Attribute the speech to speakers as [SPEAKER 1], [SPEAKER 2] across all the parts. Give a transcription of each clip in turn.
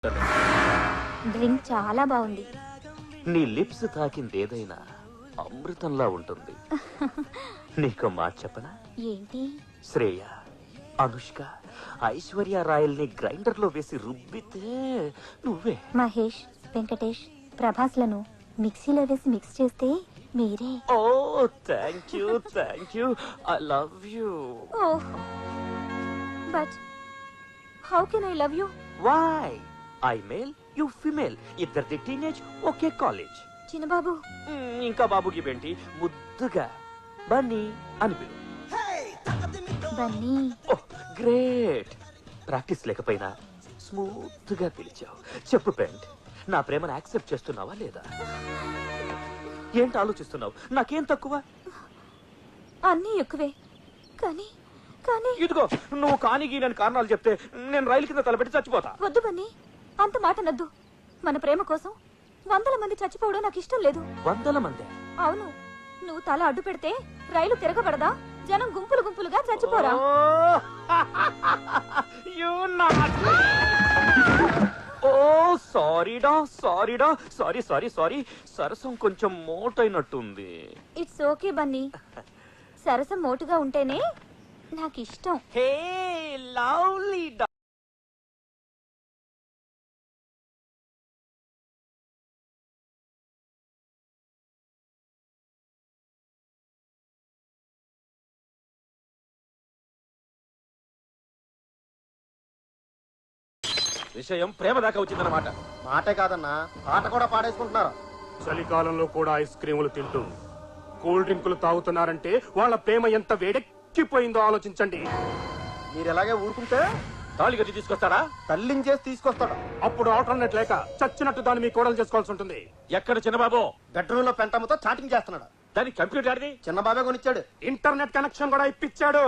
[SPEAKER 1] Drink చాలా బాగుంది.
[SPEAKER 2] నీ లిప్స్ తాకిందేదైనా అమృతంలా ఉంటుంది. నీకు మాట చెప్పనా?
[SPEAKER 1] ఏంటి?
[SPEAKER 2] శ్రేయ, అనుష్క, ఐశ్వర్య రాయల్ని గ్రైండర్ లో వేసి రుబ్బితే నువ్వే.
[SPEAKER 1] మహేష్, వెంకటేష్, ప్రభాస్లను మిక్సీలో వేసి మిక్స్ చేస్తే మీరే.
[SPEAKER 2] Oh thank you, thank you, I love you.
[SPEAKER 1] Oh, but how can I love you?
[SPEAKER 2] Why? I male, you female, ఇద్దరిది టీనేజ్, ఒకే కాలేజ్.
[SPEAKER 1] చిన్నబాబు,
[SPEAKER 2] ఇంకా బాబుకి బెంటి ముద్దుగా బన్నీ అని పిలు.
[SPEAKER 1] బన్నీ.
[SPEAKER 2] Oh great. ప్రాక్టీస్ లేకపోయినా స్మూత్ గా పిలిచావు. చెప్పు పెంట్, నా ప్రేమను యాక్సెప్ట్ చేస్తున్నావా లేదా? ఏంటి ఆలోచిస్తున్నావు? నాకేం తక్కువ?
[SPEAKER 1] అన్నీ ఎక్కువే, కానీ కానీ
[SPEAKER 2] ఇదిగో నువ్వు కానిగి నేను కారణాలు చెప్తే నేను రైలు కింద తలపెట్టి చచ్చిపోతా.
[SPEAKER 1] వద్దు బన్నీ, అంత మాట నద్దు. మన ప్రేమ కోసం వందల మంది చచ్చిపోవడం నాకు ఇష్టం లేదు.
[SPEAKER 2] 100 మంది?
[SPEAKER 1] అవును. నువ్వు తల అడ్డు పెడితే రైలు తిరగబడదా? జనం గుంపులు గుంపులుగా చచ్చిపోరా?
[SPEAKER 2] ఓ సారీడా, సారీడా, సారీ సారీ సారీ. సరసం కొంచెం మోటైనట్టుంది.
[SPEAKER 1] It's okay Bunny. సరసం మోటుగా ఉంటేనే నాకు ఇష్టం.
[SPEAKER 2] Hey lovely. విషయం ప్రేమ దాకా వచ్చిందన్నమాట.
[SPEAKER 3] మాటే కాదన్నా, ఆట కూడా పాడేసుకుంటున్నారు.
[SPEAKER 4] చలికాలంలో కూడా ఐస్ క్రీములు తింటూ కూల్ డ్రింకులు తాగుతున్నారంటే వాళ్ళ ప్రేమ ఎంత వేడెక్కిపోయిందో ఆలోచించండి.
[SPEAKER 3] మీరు ఎలాగే ఊరుకుంటే
[SPEAKER 2] తాళి కట్టి తీసుకొస్తారా?
[SPEAKER 3] తల్లించేసి తీసుకొస్తాడు.
[SPEAKER 4] అప్పుడు ఆల్టర్నేట్ లేక చచ్చినట్టు దాన్ని మీ కోడలు చేసుకోవాల్సి ఉంటుంది.
[SPEAKER 2] ఎక్కడ చిన్నబాబు?
[SPEAKER 3] బెడ్రూమ్ లో పెంటమ్మతో చాటింగ్ చేస్తున్నాడు.
[SPEAKER 2] దానికి కంప్యూటర్ ఆడిది
[SPEAKER 3] చిన్న బాబే కొనిచ్చాడు.
[SPEAKER 4] ఇంటర్నెట్ కనెక్షన్ కూడా ఇప్పించాడు.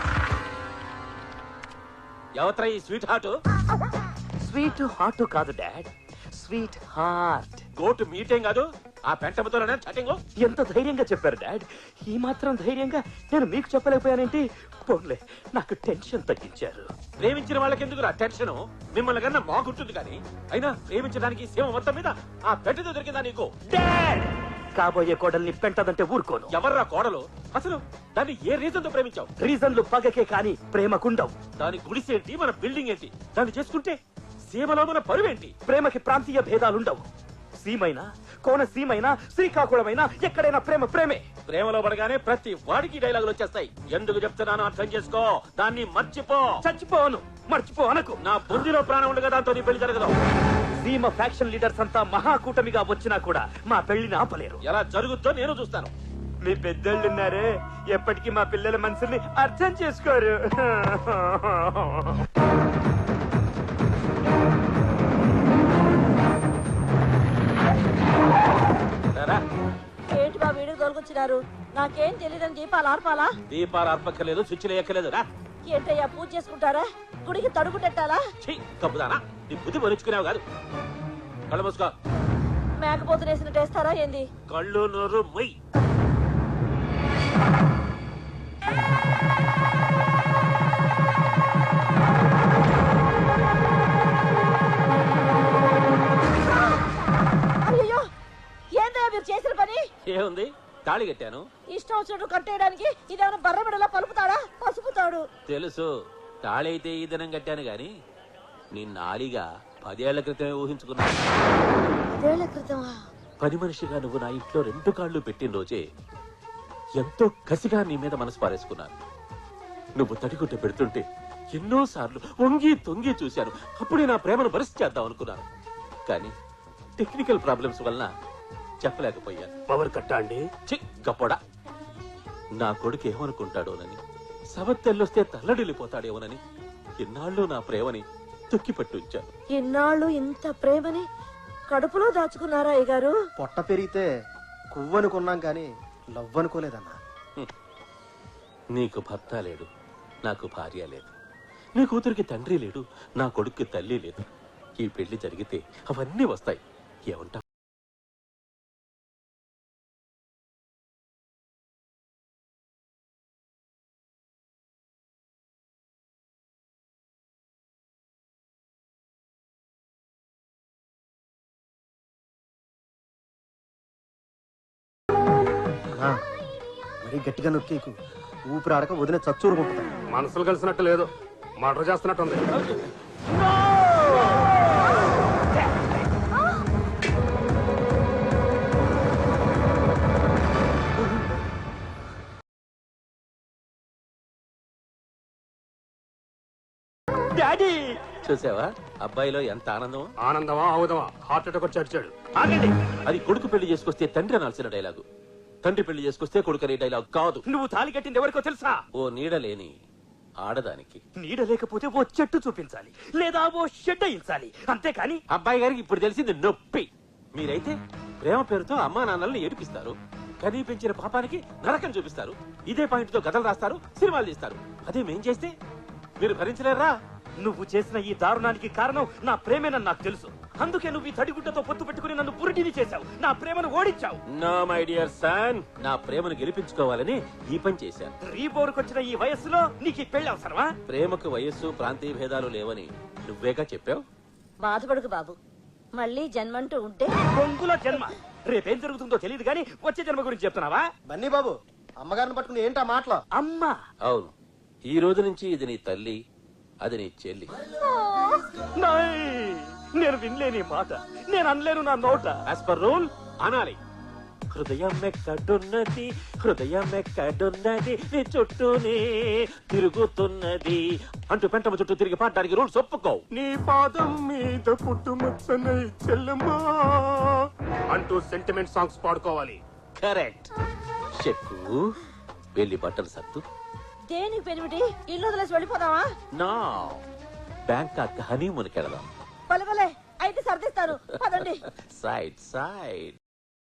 [SPEAKER 2] ఎవత్రా ఈ స్వీట్ హార్ట్? స్వీట్ హార్ట్ కాదు డాడ్, స్వీట్ హార్ట్. గోటు మీటేం కాదు, ఆ పెంటముతోనే చాటింగ్. ఎంత ధైర్యంగా చెప్పారు డాడ్. ఈ మాత్రం ధైర్యంగా నేను మీకు చెప్పలేకపోయానేంటి? పోన్లే, నాకు టెన్షన్ తగ్గించారు. ప్రేమించిన వాళ్ళకి ఎందుకు టెన్షన్? మిమ్మల్ని కన్నా మాకుంటుంది కానీ. అయినా ప్రేమించడానికి సీమ మొత్తం మీద ఆ పెంటతో దొరికిందా నీకు? డాడ్, కాబోయే కోడల్ని పెంటదంటే ఊరుకోను. ఎవర్రా కోడలు? అసలు దాన్ని ఏ రీజన్ తో ప్రేమించావు? రీజన్లు పగకే కాని ప్రేమకుండవు. దాని గుడిసేంటి, మన బిల్డింగ్ ఏంటి? దాన్ని చేసుకుంటే సీమలో మన పరువేంటి? ప్రేమకి ప్రాంతీయ భేదాలుండవు. సీమైనా, కోనసీమైనా, శ్రీకాకుళమైనా ఎక్కడైనా ప్రేమ ప్రేమే. ప్రేమలో పడగానే ప్రతి వాడికి డైలాగులు వచ్చేస్తాయి. ఎందుకు చెప్తున్నానో అర్థం చేసుకో. దాన్ని మర్చిపో. చచ్చిపోను, మర్చిపో అనకు. నా బుద్ధిలో ప్రాణం ఉండగా దాంతో నీ పెళ్లి జరగదు. సీమ ఫ్యాక్షన్ లీడర్స్ అంతా మహాకూటమిగా వచ్చినా కూడా మా పెళ్లిని ఆపలేరు. ఎలా జరుగుతో నేను చూస్తాను. మీ పెద్దోళ్ళున్నారే, ఎప్పటికీ మా పిల్లల మనసుని అర్థం చేసుకోరు.
[SPEAKER 5] ఏంటి బా వీడికి తోలుకొచ్చినారు? నాకేం తెలియదని దీపాలు ఆర్పాలా?
[SPEAKER 2] దీపాలు అర్పక్కలేదు, స్విచ్లు ఎక్కలేదు. రా.
[SPEAKER 5] ఏంటయ్యా, పూజ చేసుకుంటారా? గుడికి తడుగు పెట్టాలా?
[SPEAKER 2] కప్పుదానా? నీ బుద్ధి పరుచుకునేవు కాదు. కళ్ళు మూసుకో.
[SPEAKER 5] మేకపోతులు వేసినట్టు వేస్తారా ఏంది?
[SPEAKER 2] కళ్ళు నోరు మొయ్.
[SPEAKER 5] అయ్యో, ఏందయ్యా మీరు చేసిన పని?
[SPEAKER 2] ఏముంది, తాళి కట్టాను.
[SPEAKER 5] ఇష్టం వచ్చినట్టు కట్టేయడానికి ఇదేమైనా బర్రబిడలా పలుపుతాడా? పసుపుతాడు.
[SPEAKER 2] తెలుసు, తాళి అయితే ఈ దినం కట్టాను గాని నిన్నాలిగా 10 ఏళ్ల క్రితమే ఊహించుకున్నా.
[SPEAKER 5] 10 ఏళ్ల క్రితమా?
[SPEAKER 2] పని మనిషిగా నువ్వు నా ఇంట్లో 2 కాళ్ళు పెట్టిన రోజే ఎంతో కసిగా నీ మీద మనసు పారేసుకున్నాను. నువ్వు తడిగుడ్డ పెడుతుంటే ఎన్నోసార్లు వంగి తొంగి చూశాను. అప్పుడే నా ప్రేమను భరిసి చేద్దాం అనుకున్నాను. కానీ టెక్నికల్ ప్రాబ్లమ్స్ వలన చెప్పలేకపోయాను.
[SPEAKER 4] పవర్ కట్టా అండి.
[SPEAKER 2] గప్పడా, నా కొడుకు ఏమనుకుంటాడోనని, సవత్తెల్లొస్తే తల్లడిల్లిపోతాడేమోనని ఇన్నాళ్ళు నా ప్రేమని తొక్కిపట్టి ఉంచాను.
[SPEAKER 5] ఇన్నాళ్ళు ఇంత ప్రేమని కడుపులో దాచుకున్నారా అయ్యగారు?
[SPEAKER 3] పొట్ట పెరిగితే కువ్వనుకున్నాం కానీ లవ్ అనుకోలేదన్నా.
[SPEAKER 2] నీకు భర్త లేడు, నాకు భార్య లేదు. నీ కూతురికి తండ్రి లేడు, నా కొడుక్కి తల్లి లేదు. ఈ పెళ్లి జరిగితే అవన్నీ వస్తాయి. ఏమంటా?
[SPEAKER 3] మరీ గట్టిగా నొక్కేకు, ఊపిరి ఆడక వదిలే చచ్చూరుకుంటుంది.
[SPEAKER 4] మనసులు కలిసినట్టు లేదు, మర్డర్ చేస్తున్నట్టుంది.
[SPEAKER 2] డాడీ చూసావా అబ్బాయిలో ఎంత ఆనందం.
[SPEAKER 4] ఆనందమా ఆవుదమా, హార్ట్ అటాక్ వచ్చి అడిచాడు.
[SPEAKER 2] ఆగండి, అది కొడుకు పెళ్లి చేసుకొస్తే తండ్రి అనాల్సిన డైలాగు, తండ్రి పెళ్లి చేసుకొస్తే కొడుకు అనే డైలాగ్ కాదు.
[SPEAKER 6] నువ్వు తాళి కట్టింది ఎవరికో తెలుసా?
[SPEAKER 2] ఓ నీడ లేని ఆడదానికి.
[SPEAKER 6] నీడ లేకపోతే ఓ చెట్టు చూపించాలి, లేదా ఓ షెడ్ అయించాలి, అంతేకాని
[SPEAKER 2] అబ్బాయి గారికి ఇప్పుడు తెలిసింది నొప్పి. మీరైతే ప్రేమ పేరుతో అమ్మా నాన్నల్ని ఏడిపిస్తారు, కనీ పెంచిన పాపానికి నరకం చూపిస్తారు, ఇదే పాయింట్ తో కథలు రాస్తారు, సినిమాలు తీస్తారు. అదే మేం చేస్తే మీరు భరించలేరా?
[SPEAKER 6] నువ్వు చేసిన ఈ దారుణానికి కారణం నా ప్రేమేనని నాకు తెలుసు. అందుకే నువ్వు ఈ తడిగుడ్డతో పొత్తు పెట్టుకుని నన్ను పురిటిని చేశావు, నా ప్రేమను ఓడించావు.
[SPEAKER 2] నో మై డియర్ సన్, నా ప్రేమను గెలిపించుకోవాలని ఈ పని చేశాను.
[SPEAKER 6] రీబోర్కొచ్చిన ఈ వయస్సులో నీకు ఈ పెళ్లి అవసరమా?
[SPEAKER 2] ప్రేమకు వయస్సు ప్రాంతీయ భేదాలు లేవని నువ్వేగా చెప్పావు.
[SPEAKER 5] బాధపడకు బాబు, మళ్ళీ జన్మంటూ ఉంటే
[SPEAKER 6] బొంగులో జన్మ. రేపేం జరుగుతుందో తెలియదు గానీ వచ్చే జన్మ గురించి చెప్తున్నావా?
[SPEAKER 3] బన్నీ బాబు, అమ్మగారిని పట్టుకుని ఏంటా మాటలు?
[SPEAKER 6] అమ్మా,
[SPEAKER 2] అవును, ఈ రోజు నుంచి ఇది నీ తల్లి, అది నీ చెల్లి.
[SPEAKER 6] నాయ్, నేను వినలేని మాట, నేను అనలేను నా నోట.
[SPEAKER 2] యాజ్ పర్ రూల్ అనాలి. హృదయం ఎక్కడున్నది, హృదయం ఎక్కడున్నది, నీ చుట్టూనే తిరుగుతున్నది అంటూ పెంటమ చుట్టూ తిరిగి పాడడానికి రూల్స్ ఒప్పుకో.
[SPEAKER 4] నీ పాదం మీద పుట్టుమచ్చనై చెల్లమ్మా అంటూ సెంటిమెంట్ సాంగ్స్ పాడుకోవాలి.
[SPEAKER 2] కరెక్ట్. చెక్కు వెళ్ళి బట్టలు సత్తు.
[SPEAKER 5] దేనికి పెనిమిటి, ఇల్లు వదిలేసి వెళ్ళిపోదామా?
[SPEAKER 2] నా బ్యాంకాక్ హనీమూన్కి వెళదాం.
[SPEAKER 5] పలవలే, అయితే సర్దిస్తాను, పదండి.
[SPEAKER 2] Side side.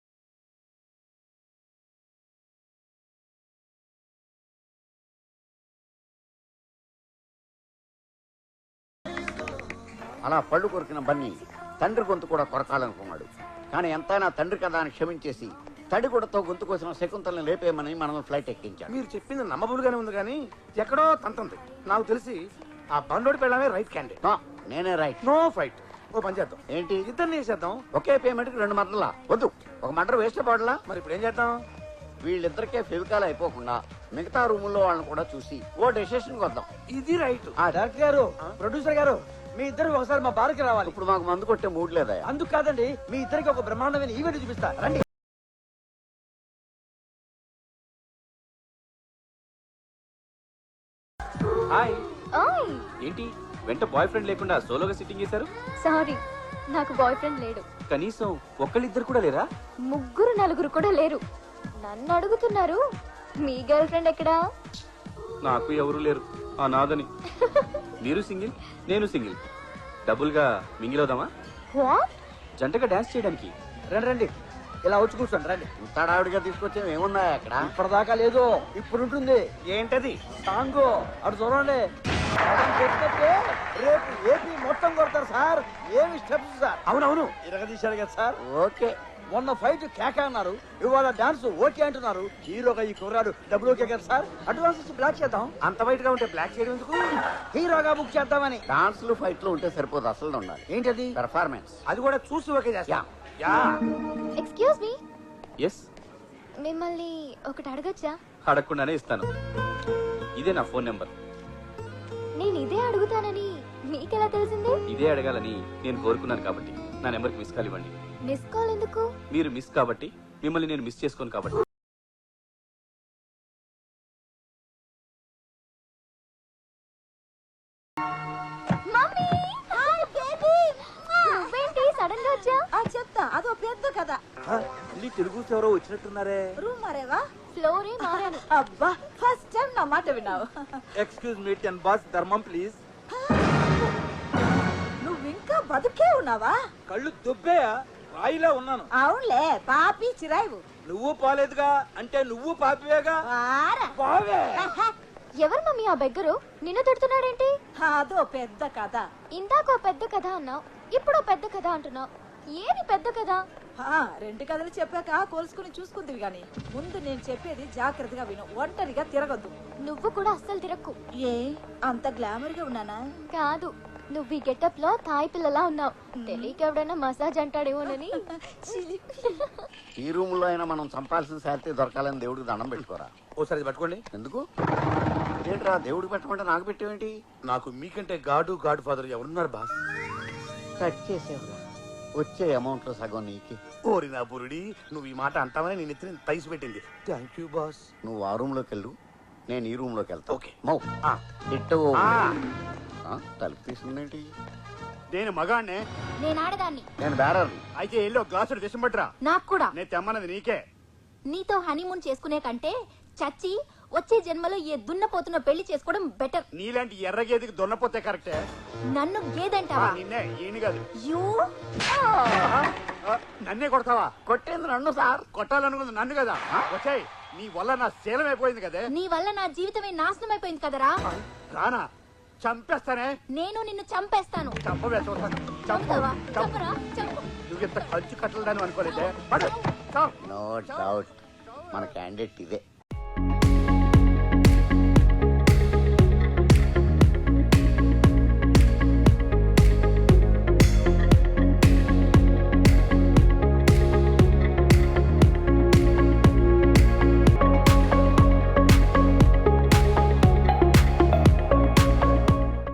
[SPEAKER 7] అలా పళ్ళు కొరికిన బన్నీ తండ్రి గొంతు కూడా కొరకాలనుకున్నాడు. కానీ ఎంతైనా తండ్రి కదా అని క్షమించేసి తడిగుడతో గొంతు కోసిన శకుంతలను లేపేయమని మనం ఫ్లైట్ ఎక్కించాడు.
[SPEAKER 3] మీరు చెప్పింది నమ్మబులుగానే ఉంది కానీ ఎక్కడో తంతుంది. నాకు తెలిసి ఆ బండోడి పెళ్ళమే రైట్ క్యాండిడేట్.
[SPEAKER 7] నో, నేనే రైట్.
[SPEAKER 3] No fight. ఓ పని చేద్దాం,
[SPEAKER 7] ఏంటి
[SPEAKER 3] ఇద్దరిని చేసేద్దాం.
[SPEAKER 7] ఒకే పేమెంట్ కి 2 మర్డర్లా? వద్దు, ఒక మర్డర్ వేస్ట్ పడలా.
[SPEAKER 3] మరి ఇప్పుడు ఏం చేద్దాం?
[SPEAKER 7] వీళ్ళిద్దరికే ఫెవికాల్ అయిపోకుండా మిగతా రూముల్లో వాళ్ళని కూడా చూసి ఓ డెసిషన్ వద్దాం.
[SPEAKER 3] ఇది రైట్.
[SPEAKER 8] డైరెక్టర్ గారు, ప్రొడ్యూసర్ గారు, మీ ఇద్దరు ఒకసారి మా బార్కి రావాలి.
[SPEAKER 7] ఇప్పుడు మాకు మందు కొట్టే మూడ్ లేదా?
[SPEAKER 8] అందుకు కాదండి, మీ ఇద్దరికి ఒక బ్రహ్మాండమైన ఈవెంట్ చూపిస్తా, రండి.
[SPEAKER 2] హాయ్.
[SPEAKER 1] ఓయ్
[SPEAKER 2] ఏంటి వెంట బాయ్ ఫ్రెండ్ లేకుండా సోలోగా సిట్టింగ్ చేశారు?
[SPEAKER 1] సారీ, నాకు బాయ్ ఫ్రెండ్ లేడు.
[SPEAKER 2] కనీసం ఒక్కళ్ళిద్దరు కూడా లేరా?
[SPEAKER 1] 3 4 కూడా లేరు. నన్ను అడుగుతున్నారు, మీ గర్ల్ ఫ్రెండ్ ఎక్కడా?
[SPEAKER 2] నాకు ఎవరు లేరు, ఆ నాదని. మీరు సింగిల్, నేను సింగిల్. డబుల్ గా మింగిల్ అవుదామా?
[SPEAKER 1] వాట్?
[SPEAKER 2] జంటగా డాన్స్ చేయడానికి.
[SPEAKER 8] రండి రండి, ఇలా వచ్చి కూర్చోండి, రండి.
[SPEAKER 7] ఇంత డావిడిగా తీసుకొచ్చే ఏమున్నాయా అక్కడ?
[SPEAKER 8] ఇప్పటిదాకా లేదు, ఇప్పుడు ఉంటుంది.
[SPEAKER 3] ఏంటది?
[SPEAKER 8] సాంగ్ అటు చూడండి. మనం పెట్టినట్టే రేపు ఏపీ మొత్తం కొడతారు సార్. ఏమి స్టెప్స్ సార్.
[SPEAKER 3] అవునవును.
[SPEAKER 8] ఇరగదీశారు కదా సార్.
[SPEAKER 7] ఓకే.
[SPEAKER 8] మొన్న ఫైట్ కేక అన్నారు, ఇవాళ డాన్స్ ఓకే అంటున్నారు. హీరోగా ఈ కుర్రాడు డబ్బులు ఓకే కదా సార్. అడ్వాన్స్ ఇచ్చి బ్లాక్ చేద్దాం.
[SPEAKER 3] అంత వైట్ గా ఉంటే బ్లాక్ చేయడం ఎందుకు?
[SPEAKER 8] హీరోగా బుక్ చేద్దామని.
[SPEAKER 7] డాన్స్లు ఫైట్లు ఉంటే సరిపోదు, అసలు ఉండాలి.
[SPEAKER 8] ఏంటది?
[SPEAKER 7] పెర్ఫార్మెన్స్.
[SPEAKER 3] అది కూడా చూసి ఓకే చేస్తా. యా.
[SPEAKER 1] Excuse me,
[SPEAKER 2] yes.
[SPEAKER 1] మిమ్మల్ని ఒకటి అడగచ్చా?
[SPEAKER 2] అడగకుండానే ఇస్తాను. ఇదే నా ఫోన్ నెంబర్.
[SPEAKER 1] నేను ఇదే అడుగుతానని మీకెలా తెలిసింది?
[SPEAKER 2] ఇదే అడగాలని నేను కోరుకున్నాను కాబట్టి నా నెంబర్కి మిస్ కాల్ ఇవ్వండి.
[SPEAKER 1] మిస్ కాల్ ఎందుకు?
[SPEAKER 2] మీరు మిస్ కాబట్టి, మిమ్మల్ని నేను మిస్ చేసుకోను కాబట్టి.
[SPEAKER 1] Mummy, hi baby. నువ్వేంటి సడన్ గా వచ్చా?
[SPEAKER 5] చెప్తా, అదో పెద్ద కథ.
[SPEAKER 8] తెలుగు ఎవరో వచ్చినట్టున్నారే.
[SPEAKER 5] రూమ్ మారేవా?
[SPEAKER 1] ఫ్లోరే మారాను.
[SPEAKER 5] అబ్బా, ఫస్ట్ టైం నా మాట విన్నావు.
[SPEAKER 8] ఎక్స్క్యూజ్ మీ, 10 బాస్ ధర్మం ప్లీజ్.
[SPEAKER 5] నువ్వు ఇంకా బతుకే ఉన్నావా?
[SPEAKER 8] కళ్ళు దుబ్బేయా, రాయిలా ఉన్నాను.
[SPEAKER 5] అవునులే, పాపి చిరాయివు.
[SPEAKER 8] నువ్వు పోలేదుగా, అంటే నువ్వు పాపివేగా.
[SPEAKER 5] వారా.
[SPEAKER 8] పోవే.
[SPEAKER 1] ఎవరు మమ్మీ ఆ బెగ్గరు? నిన్ను తిడుతున్నాడేంటి?
[SPEAKER 5] అదో పెద్ద కథ.
[SPEAKER 1] ఇందాకో పెద్ద కథ అన్నావు, ఇప్పుడు పెద్ద కథ అంటున్నావు. ఏది పెద్ద కథ?
[SPEAKER 5] 2 కథలు చెప్పాక కోల్చుకుని చూసుకుందివి గాని, ముందు నేను చెప్పేది జాగ్రత్తగా విను. ఒంటరిగా తిరగద్దు.
[SPEAKER 1] నువ్వు కూడా అస్సలు తిరక్కు.
[SPEAKER 5] ఏ అంత గ్లామర్ గా ఉన్నానా?
[SPEAKER 1] కాదు, నువ్వు ఈ గెటప్ లో తాయి పిల్లలా ఉన్నావు. తెలియక ఎవడైనా మసాజ్ అంటాడేమోనని.
[SPEAKER 7] ఈ రూమ్ లో అయినా మనం చంపాల్సిన శాలరీ దొరకాలని దేవుడికి దండం పెట్టుకోరా.
[SPEAKER 3] ఓసారి ఇది పట్టుకోండి.
[SPEAKER 7] ఎందుకు ఏంట్రా దేవుడికి పెట్టమంటే నాకు పెట్టేవేంటి?
[SPEAKER 3] నాకు మీకంటే గాడ్ ఫాదర్ ఎవరున్నారు బాస్?
[SPEAKER 7] కట్ చేసేవరా, వచ్చే అమౌంట్ లో సగం నీకే.
[SPEAKER 3] ఓరి నా బురుడి, నువ్వు ఈ మాట అంటావని నేను ఎత్తిన తైసి పెట్టింది. Thank you boss.
[SPEAKER 7] నువ్వు ఆ రూమ్ లోకి వెళ్ళు, నేను ఈ రూమ్ లోకి వెళ్తా.
[SPEAKER 3] ఓకే.
[SPEAKER 7] మౌ
[SPEAKER 3] ఆ.
[SPEAKER 7] ఇట్టు
[SPEAKER 3] ఆ.
[SPEAKER 7] తలుపు తీసుకుందేంటి?
[SPEAKER 4] నేను మగాణ్ణే.
[SPEAKER 5] నేను ఆడదాన్ని.
[SPEAKER 7] నేను బేరర్.
[SPEAKER 4] అయితే ఎల్లో గ్లాసుడు విషం పట్టురా.
[SPEAKER 5] నాకు కూడా.
[SPEAKER 4] నేను తెమ్మన్నది నీకే.
[SPEAKER 5] నీతో హనీమూన్ చేసుకునే కంటే చచ్చి వచ్చే జన్మలో ఏ దున్నపోతున్న పెళ్లి చేసుకోవడం బెటర్.
[SPEAKER 4] నీలాంటి ఎర్రగేదికి దొన్నపోతే కరెక్టే.
[SPEAKER 5] నన్ను గేదంటావా?
[SPEAKER 4] నిన్నే, ఈయన కాదు.
[SPEAKER 5] యూ
[SPEAKER 4] నన్నే కొడతావా?
[SPEAKER 7] కొట్టేంది నన్ను సార్.
[SPEAKER 4] కొట్టాలనుకుంది నన్ను కదా. వచ్చాయి, నీ వల్ల నా శీలం అయిపోయింది కదే.
[SPEAKER 5] నీ వల్ల నా జీవితమే నాశనం అయిపోయింది కదరా.
[SPEAKER 4] రానా, చంపేస్తానే.
[SPEAKER 5] నేను నిన్ను చంపేస్తాను.
[SPEAKER 4] చంపవే, చూస్తాను. చంపు,
[SPEAKER 5] చంపుతావా?
[SPEAKER 4] చంపు.
[SPEAKER 5] చంపరా? చంపు.
[SPEAKER 4] నువ్వు ఇంత కంచు కట్టలని అనుకోలేదే. పడు, చావు.
[SPEAKER 7] నో డౌట్ మన క్యాండిడేట్ ఇదే.